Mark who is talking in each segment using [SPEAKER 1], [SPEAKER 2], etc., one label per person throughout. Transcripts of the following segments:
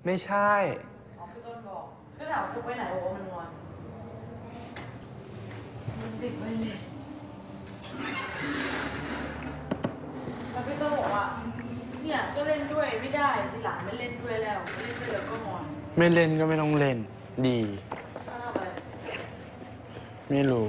[SPEAKER 1] ไม่ใช่
[SPEAKER 2] พี่ต้นบอกก็ถามฟุกไปไหนบอกว่ามันงอนมันติดไม่เล่นแล้วพี่ต้นบอกว่าเนี่ยก็เล่นด้วยไม่ได้ทีหลังไม่เล่นด้วยแล้วไม่เล่นด้วยแล้วก็งอน
[SPEAKER 1] ไม่เล่นก็ไม่ต้องเล่นดีไม่รู้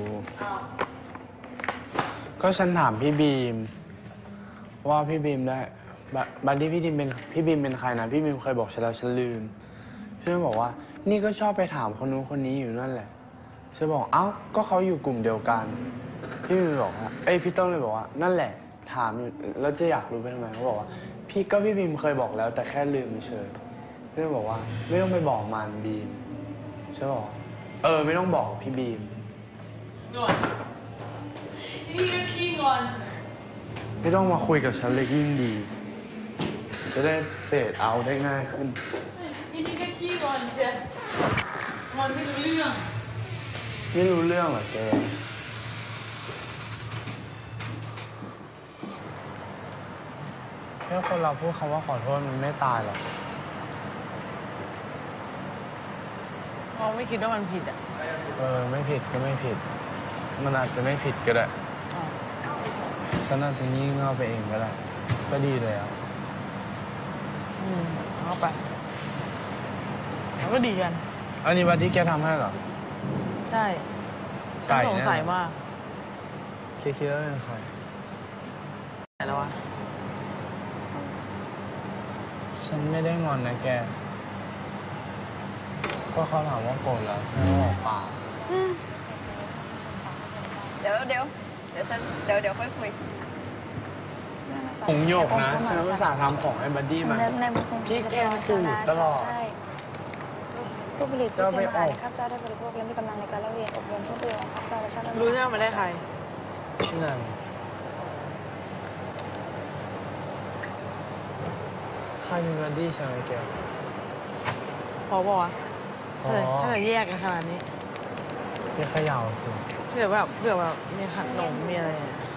[SPEAKER 1] ก็ฉันถามพี่บีมว่าพี่บีมได้บัดดี้พี่บีมเป็นใครนะพี่บีมเคยบอกฉันแล้วฉันลืมฉันบอกว่านี่ก็ชอบไปถามคนนู้นคนนี้อยู่นั่นแหละฉันบอกเอ้าก็เขาอยู่กลุ่มเดียวกันพี่บีมบอกว่าพี่ต้องเลยบอกว่านั่นแหละถามอยู่แล้วจะอยากรู้ไปทำไมเขาบอกว่าพี่บีมเคยบอกแล้วแต่แค่ลืมเฉยพี่บอกว่าไม่ต้องไปบอกมันบีมฉันบอกไม่ต้องบอกพี่บีม
[SPEAKER 2] งอนนี่ก็ขี้งอน
[SPEAKER 1] ไม่ต้องมาคุยกับฉันเลยยิ่งดีจะได้เฟดเอาได้ง่ายขึ้น
[SPEAKER 2] นี่ก็ขี้งอนเชียวงอนไม่รู้เรื่อง
[SPEAKER 1] เหรอแกแค่คนเราพูดคำว่าขอโทษมันไม่ตายหรอก
[SPEAKER 2] เราไม่คิดว่ามันผิดอ่ะ
[SPEAKER 1] ไม่ผิดก็ไม่ผิดมันอาจจะไม่ผิดก็ได้ฉันอาจจะงี่เง่าไปเองก็ได้ก็ดีเลยอ่ะ
[SPEAKER 2] เอาไปแล้วก็ดีกัน
[SPEAKER 1] อันนี้บัดดี้แกทำให้เหรอ
[SPEAKER 2] ใช่ฉันสงสัยมาก
[SPEAKER 1] คิดว่าเป็นใคร
[SPEAKER 2] ไหนแล้ววะ
[SPEAKER 1] ฉันไม่ได้งอนนะแกก็เขาถามว่าโกรธแล้วฉันบอกเปล่า
[SPEAKER 3] เดี๋ยวค่อยคุย
[SPEAKER 1] ผงโยกนะฉันภาษาทำของไอ้บัดดี้มาพี่แกสูตรตลอด
[SPEAKER 3] ผู้ผลิตที่เตรียมอาหารข้าพเจ้าได้บริโภคและมีกำลังในการเล่าเรียนอบรมผู้ประโยชน์ของข้าพเจ้าและชาติ
[SPEAKER 2] รู้ใช่ไหมมันได้ใคร
[SPEAKER 1] นั่นใครเป็นบัดดี้ใช่ไหมแก
[SPEAKER 2] พอบอกว่าถ้าแยกกันขนาดนี้
[SPEAKER 1] พี่ขย่าสิ
[SPEAKER 2] เผื่อแบบมีขนมมีอะไร